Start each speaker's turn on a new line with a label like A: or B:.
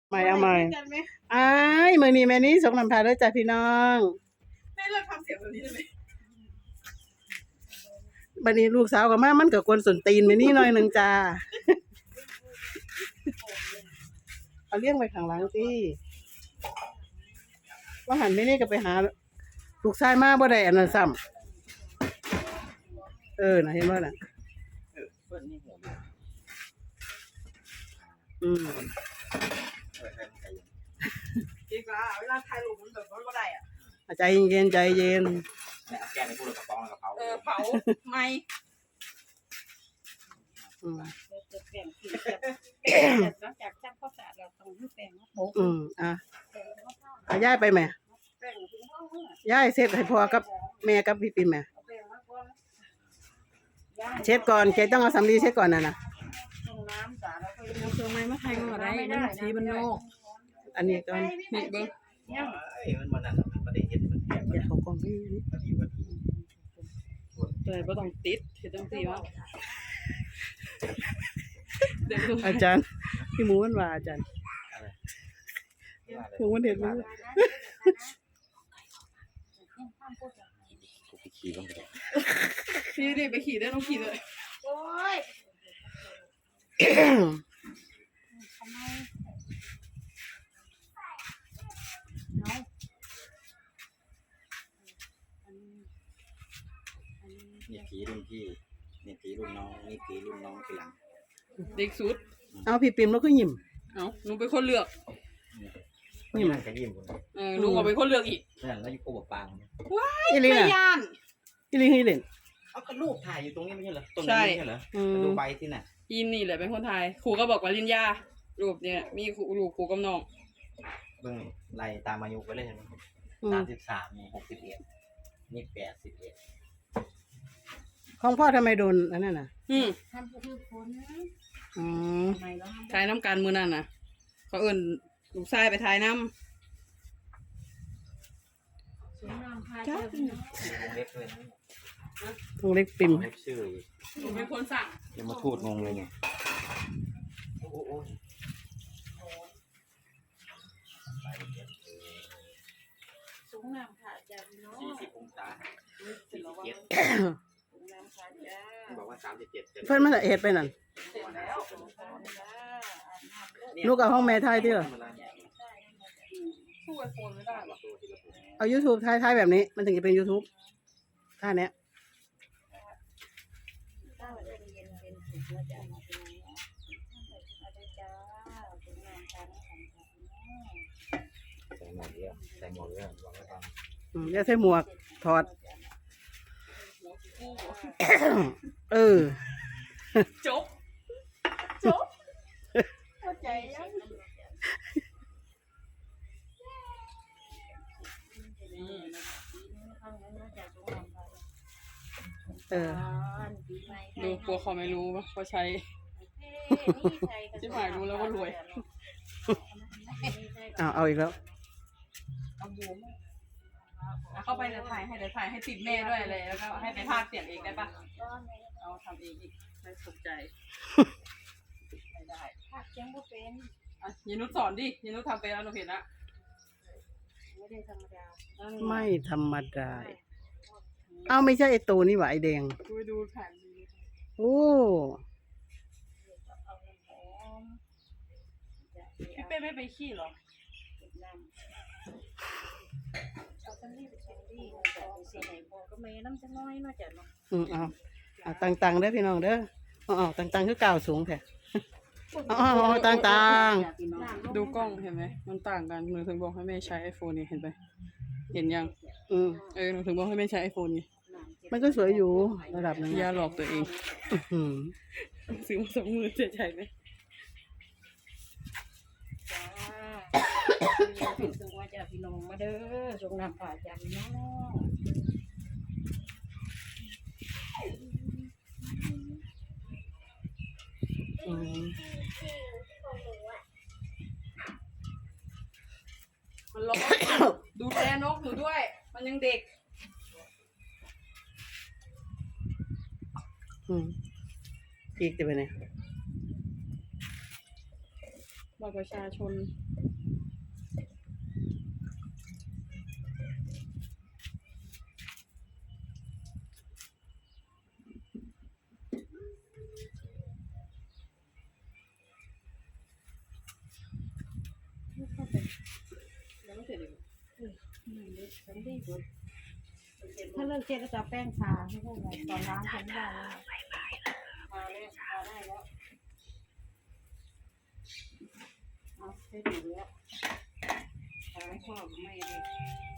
A: ไม่เอาไม่อ้ายมือนี้แม่นี้ส่งนำพาด้วยจ้ะพี่น้อง
B: แม่เลิกทำเสียงแบบนี้ได้ไหม
A: บัดนี้ลูกสาวกับมามันก็กวนส้นตีนแม่นี้หน่อยนึงจ้าเอาเลี้ยงไว้ข้างหลังสิว่าหันแม่นี้ก็ไปหาลูกชายมาบ่ได้อันนั้นซ้ำน่ะเห็นบ่น่ะ
C: เพื่อนนี่หัว
A: อืม
B: จริงอ่ะเวลาถ่ายรูปมันแบบว่าได้อ่ะ
A: ใจเย็นใจเย็น
C: เนี่ยแกในพูดกับกระป๋องกับเขา
B: เผาไม่
D: จะแบ่งผิดนอกจากช่างข้าวสารเราต้องให้แบ่งโป๊ะ
A: ย้ายไปไหม
D: แบ่งถึงห้องเมื่
A: ย้ายเสร็จให้พ่อกับแม่กับพี่ปิ่มไหมเช็ดก่อนแกต้องเอาสำลีเช็ดก่อนน่ะนะ
D: ตรงน้ำสารแล้วก็
B: เอาเครื่องไม้มาไทยก่อนได้มันสีมันโลก
A: อันนี้ก่อน
B: นี่เบิ้ง
C: มันนั่นมันประเด็นเห็นมันแ
A: อย่าเขากองพี่
B: เลยบ่ต้องติดเฮ็ดจังซี่ว่า
A: อาจารย์พี่หมูมันว่าอาจารย์หมูมันเห็นมั้ย
C: กูไปขี่บ้างเลย
B: พี่นี่ไปขี่ได้ต้องขี่เลย
D: โอ้ยทำไม
C: นี่ผีรุ่นพี่นี่ผีรุ่นน้องนี่ผีรุ่นน้องทีหลัง
B: เด็กสุด
A: เอาพี่ปิ่มแล้วก็ยิ้ม
B: หนูเป็นคนเลือก
C: นี่มันก็ยิ้มคน
B: หนูก็เป็นคนเลือกอีก
C: นั่นแล้วอยู่โคบปาง
B: ว้ายไม่ย่าน
A: อีลิงให้เล่น
C: เอากระลูกถ่ายอยู่ตรงนี้ไม่ใช่เหรอตรงนี้ไม่ใช่เหรอดูใบที่น่ะ
B: ยินนี่แหละเป็นคนไทยครูก็บอกว่าลินยารูปเนี่ยมีครูกับน้อง
C: เบิ่งไล่ตามอายุไปเลยใช่ไหม33นี่61นี่81
A: ของพ่อทำไมโดนอันนั้นน่ะ
D: ทำคือคน
B: ทายน้ำการมือนั่นน่ะเขาเอิ้นลูกชายไปทายน้ำ
C: วงเล็กเลยนะ
A: วงเล็กปิ่ม
C: ชื่อ
B: หนูเป็นคนสั่ง
C: ยังมาพูดงงเลยไงโอ้
D: สูงน้ำค่ะจ้ะพี่น้อง
C: 40 องศา47
D: น้ำค่ะจ้า
C: บอกว่า37
A: เพิ่นมาเฮ็ดไปนั่นลูกเอาห้องแม่ไทยที่เหรอ
B: สู้ไอโฟนไม่ได้หรอ
A: เอา YouTube ไทยแบบนี้มันถึงจะเป็น YouTube ท่าเนี้ย
C: ใส่หมวกเยอะบอกให้ฟัง
A: เดี๋ยวใส่หมวกถอด
B: จบเข้าใจยังดูกลัวเขาไม่รู้ว่าเขาใช้ที่หมายรู้แล้วว่ารวย
A: เอาอีกแล้ว
B: เข้าไปเดี๋ยวถ่ายให้ติดแม่ด้วยเลยแล้วก็ให้ไปพากย์เสียงเองได้ปะเอาทำเองอีกไม่สนใจไม่ได้
D: พากย์เสียงก็เป็น
B: ยินุสอนดิยินุทำเป็นแล้วหนูเห็นละ
D: ไม่ได้ธรรมดา
A: ไม่ธรรมดาเอาไม่ใช่ไอตัวนี่หว่าไอแดง
B: ดูแผ่น
A: โอ้
B: พี่เป้ไม่ไปขี้หรอ
D: ก็ไม่น้ำจะน้อยน่าจะเนาะ
A: เอาตังเด้อพี่น้องเด้อตังคือก้าวสูงแท้ตัง
B: ดูกล้องเห็นไหมมันต่างกันหนูถึงบอกให้แม่ใช้ iPhone นี่เห็นไหมเห็นยังหนูถึงบอกให้แม่ใช้ iPhone นี่
A: มันก็สวยอยู่ระดับนึง
B: อย่าหลอกตัวเองซื้อมา20,000เสียใจไหม
D: ถึงว่าจะพี่น้องมาเด้อส่งน้ำผ่าจากพี่น้อง
B: มันร้อนดูแลนกหนูด้วยมันยังเด็ก
A: อีกจะไปไหน
B: บัตรประชาชนยังไม่เสร็จเลย
D: ถ้าเลิกเช็ดก็จะแป้งทาให้พวกเราตอนล้างทำไม่ได้แล้ว
B: ทาเลยทาได้แล้ว
D: เอาเช็ดอยู่แล้วทาไม่ชอบไม่เลย